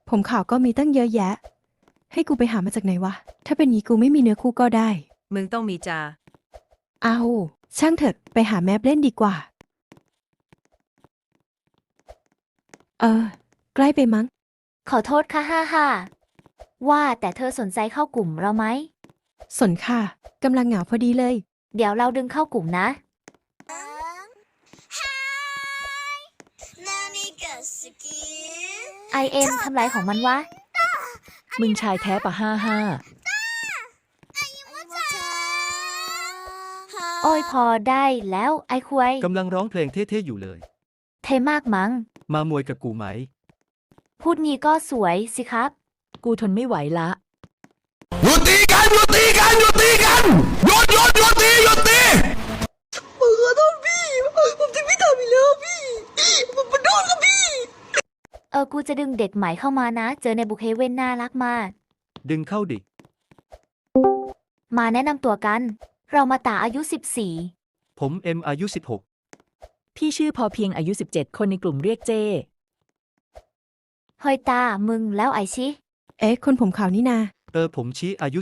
ผมขาวก็มีตั้งเยอะแยะ ให้กูไปหามาจากไหนวะ ถ้าเป็นงี้กูไม่มีเนื้อคู่ก็ได้มึงต้องมีจาเอาช่างเถอะไปหาแมปเล่นดีกว่า ใกล้ไปมั้งขอโทษค่ะว่าแต่เธอสนใจเข้ากลุ่มเราไหมสนค่ะกำลังเหงาพอดีเลยเดี๋ยวเราดึงเข้ากลุ่มนะ IM ทำไรของมันวะมึงชายแท้ปะโอ้ยพอได้แล้วไอ้ควยกำลังร้องเพลงเท่ๆอยู่เลยเทมากมั้งมามวยกับกูไหมพูดงี้ก็สวยสิครับกูทนไม่ไหวละหยุดตีกันหยุดตีกันหยุดตีกันหยุดหยุดหยุดตีหยุดตีผมขอโทษพี่ผมจะไม่ทำอีกแล้วพี่ผมขอโทษครับพี่กูจะดึงเด็กใหม่เข้ามานะ เจอในบุคเฮเว่นน่ารักมากดึงเข้าดิมาแนะนำตัวกัน เรามาตาอายุผมเอ็มอายุพี่ชื่อพอเพียงอายุ 17 คนในกลุ่มเรียกเจ้ 14 เฮ้ยตา มึงแล้วไอชิเอ๊ะคนผมขาวนี่นา 16ผมชี้อายุ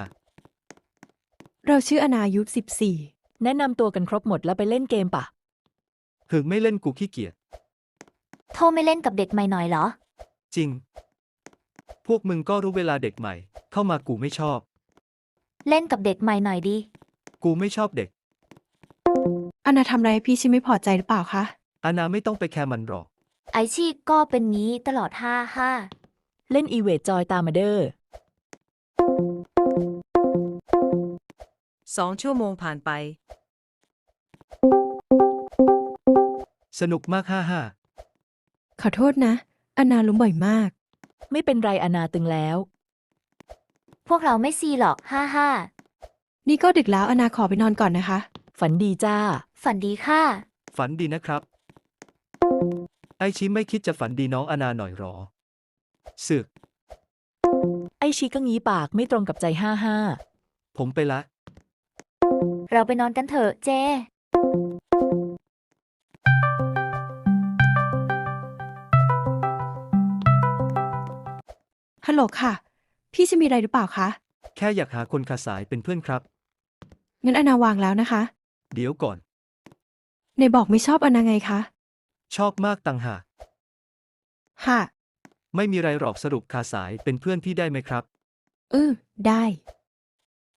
เราชื่ออนาอายุ14 แนะนำตัวกันครบหมดแล้วไปเล่นเกมปะ 15ถึงไม่เล่นกูขี้เกียจโทรไม่เล่นกับเด็กใหม่หน่อยเหรอจริง พวกมึงก็รู้เวลาเด็กใหม่ เข้ามากูไม่ชอบเล่นกับเด็กใหม่หน่อยดิกูไม่ชอบเด็กอนาทำอะไรให้พี่ชิไม่พอใจหรือเปล่าคะอานาไม่ต้องไปแคร์มันหรอกไอชีก็เป็นงี้ตลอดเล่นอีเวทจอยตามมาเด้อ 2 ชั่วโมงผ่านไปสนุกมากขอโทษนะ อนาล้มบ่อยมากไม่เป็นไรอนาตึงแล้วพวกเราไม่ซีหรอกนี่ก็ดึกแล้วอนาขอไปนอนก่อนนะคะฝันดีจ้าฝันดีค่ะฝันดีนะครับ ไอชิไม่คิดจะฝันดีน้องอานาหน่อยหรอสึกไอชีก็งี้ปากไม่ตรงกับใจผมไปละเราไปนอนกันเถอะเจฮัลโหลค่ะ พี่ชิมีอะไรหรือเปล่าคะแค่อยากหาคนขาสายเป็นเพื่อนครับงั้นอนาวางแล้วนะคะเดี๋ยวก่อนในบอกไม่ชอบอนาไงคะชอบมากต่างหากค่ะไม่มีไรหรอกสรุปขาสายเป็นเพื่อนพี่ได้ไหมครับได้